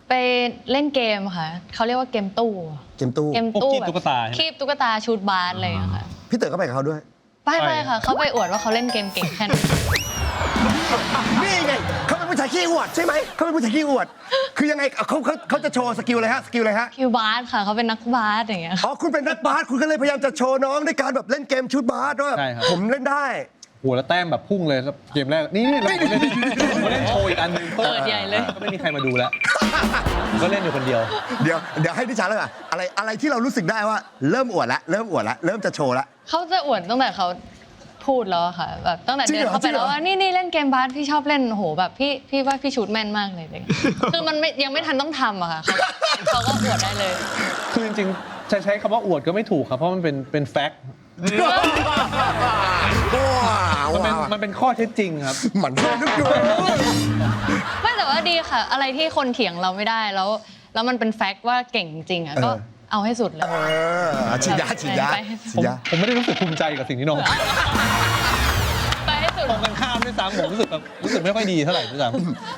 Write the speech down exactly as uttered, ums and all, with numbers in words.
ไปเล่นเกมค่ะเขาเรียกว่าเกมตู้เกมตู้เกมตู้คีบตุ๊กตาคีบตุ๊กตาชูดบาสอะไรอย่างเงี้ยค่ะพี่เต๋อก็ไปกับเขาด้วยไปไปค่ะเขาไปอวดว่าเขาเล่นเกมเก่งแค่ไหนนี่ไงเขาเป็นผู้ชายขี้อวดใช่ไหมเขาเป็นผู้ชายขี้อวด คือยังไงเขาเขาเขาจะโชว์สกิลอะไรฮะสกิลอะไรฮะคิวบาสค่ะเขาเป็นนักบาสอย่างเงี้ยอ๋อคุณเป็นนักบาสคุณก็เลยพยายามจะโชว์น้องด้วยการแบบเล่นเกมชุดบาสว่าใช่ครับผมเล่นได้โหแล้วแต้มแบบพุ่งเลยแล้วเกมแรกนี่นี่เราเล่นเราเล่นโชว์อีกอันหนึงเปิดใหญ่เลยก็ไม่มีใครมาดูแล้วผมก็เล่นอยู่คนเดียวเดี๋ยวเดี๋ยวให้ดิฉันเลยอะอะไรอะไรที่เรารู้สึกได้ว่าเริ่มอวดละเริ่มอวดละเริ่มจะโชว์ละเขาจะอวดตั้งแต่เขาพูดแล้วอะค่ะแบบตั้งแต่จริงเดิเหรอนเข้าไปจริงเหรแล้อวว่านี่นี่เล่นเกมบาสพี่ชอบเล่นโอ้โหแบบพี่พี่ว่าพี่ชูดแม่นมากเลยอะไรเงี้ยคือมันไม่ยังไม่ทันต้องทำอะค่ะเขาเขาก็อวดได้เลยคือจริงๆจะใช้คำว่าอวดก็ไม่ถูกครับเพราะมันเป็นเป็นแฟกต์ว้าวมันเป็นมันเป็นข้อเท็จจริงครับหมันนึกดูไม่แต่ว่าดีค่ะ อะไรที่คนเถียงเราไม่ได้แล้ว แล้วมันเป็นแฟกต์ว่าเก่งจริงๆอ่ะก็เอาให้สุดเลยเออฉีดยาฉีดยาไปฉีผดมยาผมไม่ได้รู้สึกภูมิใจกับสิ่งที่น้องไปให้สุดตรงกันข้ามด้วยซ้ำผมรู้สึกแบบรู้สึกไม่ค่อยดีเท่าไหร่ด้วยซ้ำ